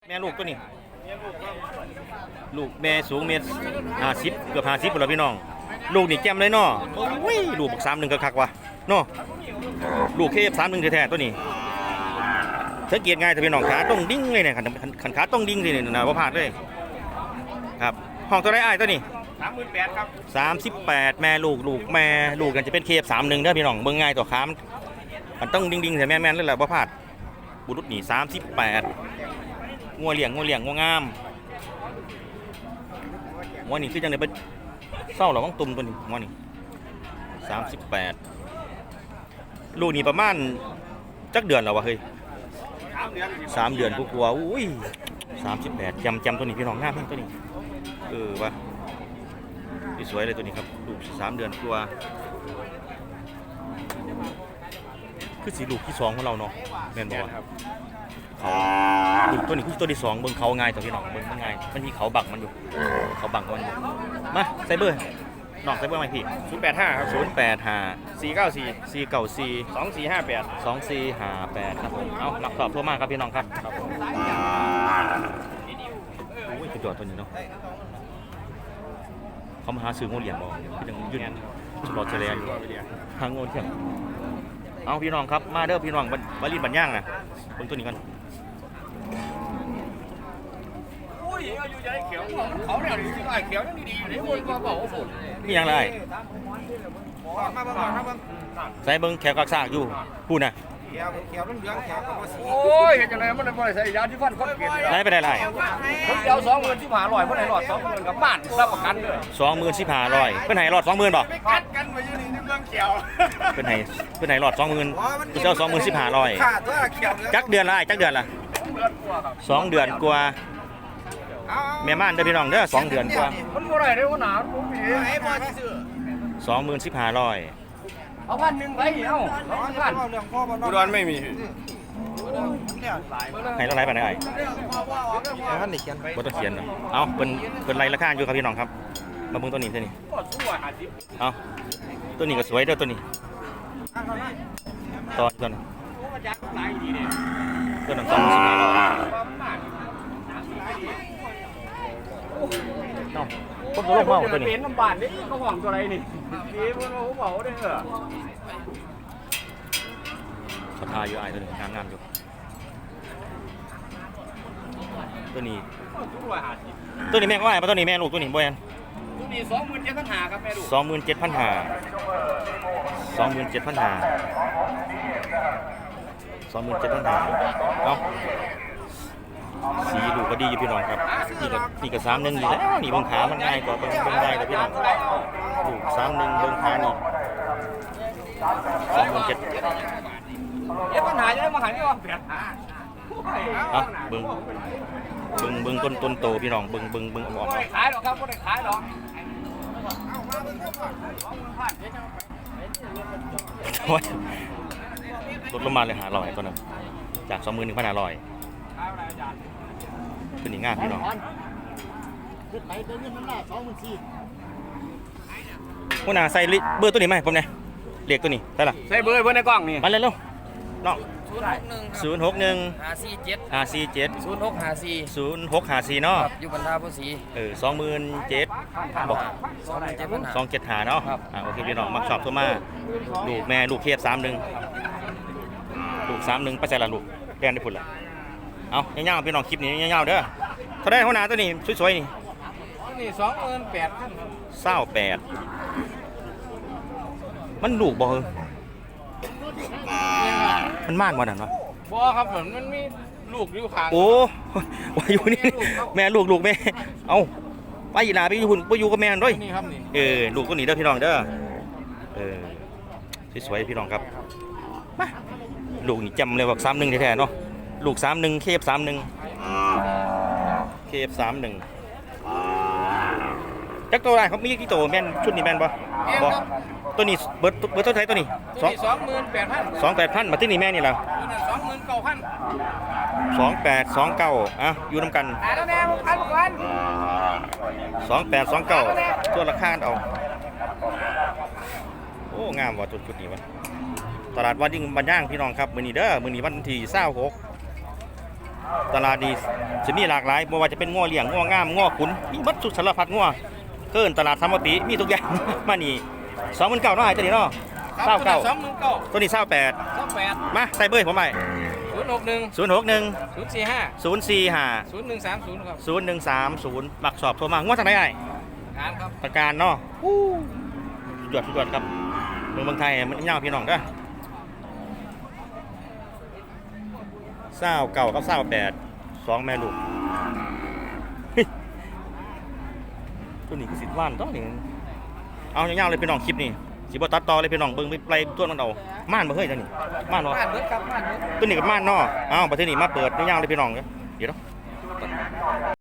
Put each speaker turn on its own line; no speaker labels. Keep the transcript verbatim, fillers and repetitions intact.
แม่ลูกตัวนี้ลูกแม่สูงเมตรห้าสิบเกือบห้าสิบหมดแล้วพี่น้องลูกนี่แจ่มเลยเนาะโอ้ยลูกสามหนึ่งคักๆว่ะเนาะลูกเคฟสามหนึ่งแท้ๆตัวนี้สังเกตง่ายแต่พี่น้องขาต้องดิ้งเลยเนี่ยขันขาต้องดิ้งเลยเนี่ยนะว่าพลาดเลยครับห้องตัวไรอ้ายตัวนี้
สามหมื่นแปดครับ
สามสิบแปดแม่ลูกลูกแม่ลูกกันจะเป็นเคฟสามหนึ่งเด้อพี่น้องเบิ่งง่ายตัวขามมันต้องดิ้งๆแต่แม่ๆเลยแหละว่าพลาดบุรุษนี่สามสิบแปดงัวเลี้ยงงัวเลี้ยงงัวงามงัวนี่คือจังได๋บ่เศร้าหรอของตุ่มตัวนี้งัวนี่สามสิบแปดลูกนี่ประมาณจักเดือนแล้ววะเฮ้ยสามเดือนกูกลัวอุ้ยสามสิบแปดจำจำตัวนี้พี่น้องงามแม่งตัวนี้เออวะสวยเลยตัวนี้ครับลูกสามเดือนกลัวคือสีลูกที่สองของเราเนาะแม่นบ่ครับเขาลูกตัวนี้คือตัวที่สองเบิ่งเขาง่ายตัวพี่น้องเบิ่งง่ายมันมีเขาบังมันอยู่เขาบังมันอยู่มาใส่เบอร์น้องใส่เบอร์ไหมพี่
ศูนย์แปดห้าครับ
ศูนย์แปดห้า
สี่เก้าสี่
สี่เก้าสี่
สองสี่ห้าแปด
สองสี่ห้าแปดครับผมเอาหลักสอบทั่วมากครับพี่น้องครับครับผมโอ้ยคือตัวตัวนี้เนาะเขามาหาซื้องูเหลี่ยมบ่คือยังยืนชลอเฉลยอยู่ทางงูเถียงเอาพี่น้องครับมาเด้อพี่น้องบาลีบันย่างนะเบิ่งตัวนี้กัน
เขาเนี่ยที่ไอ้เขียวยังดีๆเลยคนก็บอกว่าฝน
นี่ยังไร
มาบ้างมาบ้าง
ใส่เบิ่งแขวกักซากอยู่พูดนะ
เขียวเขียวเหลืองเขียวก็สีโอ้ยเห็นจังไงมันไม่ใส่ยาที่ฟันคนเปลี่ยน
ไรไปได้ไร
คนเดียวสองหมื่นที่ผ่าลอยเพื่อนไหนหลอดสองหมื่นกับบ้านรับประกันเลย
สองหมื่นสิบห้าร้อยเพื่อนไหนหลอดสองหมื่นบ่
กัดกันมาอยู่นี่เรื่องเขียว
เพื่อนไหนเพื่อนไหนหลอดสองหมื่นเจ้าสองหมื่นสิบห้าร้อยจักเดือนละจักเดือนละสองเดือนกว่าแม่ม่านเด้อพี่น้องเด้อสองเดือนกว่า
มันบ่ได้เด้อหนาผมมีไอ้บ่ที่ซื้อ
สองหมื่นสิบห้าร้อย
เอาพันหนึ่งไปเอ้าสองพันอุดรไม่มี
ให้เราไล่ไปไหนไอ้ท่านนี่เขียนบ่ต้องเขียนเอาเป็นเป็นไล่ราคาอยู่ครับพี่น้องครับมาเบิ่งตัวนี้ตัวนี้เอาตัวนี้ก็สวยเด้อตัวนี้ตอนตัวนี้ตัวนั้นสองหมื่นสิบห้าร้อยน้องผมตัวลงมาตัวนี้
เป็นน้ำบานนี่เขาห่วงตัวอะไรนี่นี่เพิ่นเขาบอกได้เหรอ
เขาทาอยู่ไอ้ตัวนี้งามงามอยู่ตัวนี้ตัวนี้แม่ก็ไอ้ตัวนี้แม่ลูกตัวนี้บ่แม่น
ตัวนี้สองหมื่นเจ็ดพันห้าครับแม่ลูก
สองหมื่นเจ็ดพันห้าสองหมื่นเจ็ดพันห้าสองหมื่นเจ็ดพันห้าเอาสีดูก็ดีอยู่พี่น้องครับนี่ก็นี่ก็สามหนึ่งอยู่แล้วนี่เบิ้งขามันง่ายกว่าเบิ้งเบิ้งง่ายกว่าพี่น้องดูสามหนึ่งเบิ้งขานี่สองหมื่นเจ็ด
เจ็ดปัญหาจะได้มาหาที่ว่าเปลี่ยน
อ่ะเบิ้งเบิ้งเบิ้งต้นต้นโตพี่น้องเบิ้งเบิ้งเบิ้งออกมา
ขายหรอกครับไม่ได้ขายหรอก
โอ้ยลดลงมาเลยหาร้อยตัวนึงจากสองหมื่นหนึ่งพันห้าร้อยเป็นอย่างง่ายพี่น้องหัวหน้าใส่เบอร์ตัวนี้ไหมผมเนี่ยเรียกตัวนี้ได้ละ
ใส่เบอร์เบอร์ในกล้องนี่
มาเลยเร็วน้องศูนย์หกหนึ่ง
ห้าสี่เจ็ด
ห้าสี่เจ็ด
ศูนย์หกห้าสี่
ศูนย์หกห้าสี่เนาะ
อยู่บรรดาผู้สี
เออสองหมื่นเจ็ดบอก
สองหมื่นเจ็ดพัน
สองเจ็ดหาเนาะอ่าโอเคพี่น้องมาสอบตัวมาลูกแม่ลูกเทียบสามหนึ่งลูกสามหนึ่งไปใส่ละลูกแดนได้ผลละเอาเงี้ยๆพี่น้องคลิปนี้เงี้ยๆเด้อเขาได้หัวหน้าตัวนี้สวยๆนี่
นี่สองหมื่นแปดพัน
เศร้าแปดมันลูกบ่เออมันมากกว่านั้นวะ
บ่ครับเหมือนมันมีลูกอยู่ข้าง
โอ้ว่าอยู่นี่แม่ลูกลูกแม่เอาไปอีหลาไปอยู่หุ่นไปอยู่กับแม่ด้วย
นี่ครับนี่
เออลูกตัวนี้เด้อพี่น้องเด้อเออสวยๆพี่น้องครับมาลูกนี่จำเลยว่าสามหนึ่งแท้ๆเนาะลูกสามหนึ่งเคฟสามหนึ่งเคฟสามหนึ่งจักตัวอะไรเขามีกี่ตัวแม่นชุดนี้แม่นปะบอตัวนี้เบิร์ดเบิร์ดเท่าไหร่ตัวนี้
สองสองหมื่นแปดพัน
สองแปดพันมาที่นี่แม่นี่แล้ว
สองหมื่นเก้าพัน
สองแปดสองเก้าอ่ะอยู่น้ำกันสองแปดสองเก้าตัวราคาเอาโอ้งามว่ะจุดจุดนี้วะตลาดวัดยิ่งบันย่างพี่น้องครับมือนี้เด้อมือนี้วันที่เศร้าหกตลาดดีจะมีหลากหลายบ่ว่าจะเป็นง้อเลี้ยงง้องามง้อขุนมีบัดสุดสารพัดง้อเกินตลาดธรรมติมีทุกอย่าง มานี่สองหมื่นเก้าเนาะไอ้ตัวนี้เนาะเศร้าเก้า
สองหมื่นเก้า
ตัวนี้เศร้าแปด
สองแปด
มาใส่เบอร์ผมไป
ศูนย์หกหนึ่ง
ศูนย์หกหนึ่ง
ศูนย์สี่ห้า
ศูนย์สี่ห้า
ศูนย์หนึ่งสามศูนย์ครับ
ศูนย์หนึ่งสามศูนย์บักสอบโทรมาง้อทางไหนไอ้
การครับ
ประการเนาะสุดยอดสุดยอดครับเมืองเมืองไทยมันยาวพี่น้องเด้อเศร้าเก่ากับเศร้าแปดสองแม่ลูก ตัวนี้คือสิทธิ์ว่านต้องนี่เอายาวๆเลยพี่น้องคลิปนี่สิบ่ตัดต่อเลยพี่น้องเบิ่งไปไปตัวมันเอาม่านบ่เฮ้ยตัวนี้ม่านบ่
ม่านเบิดครับม่านเบิด
ตัวนี้กับม่านเนาะเอ้าประเทศนี้มาเปิดยาวๆเลยพี่น้องเด้อเดี๋ยวเนาะ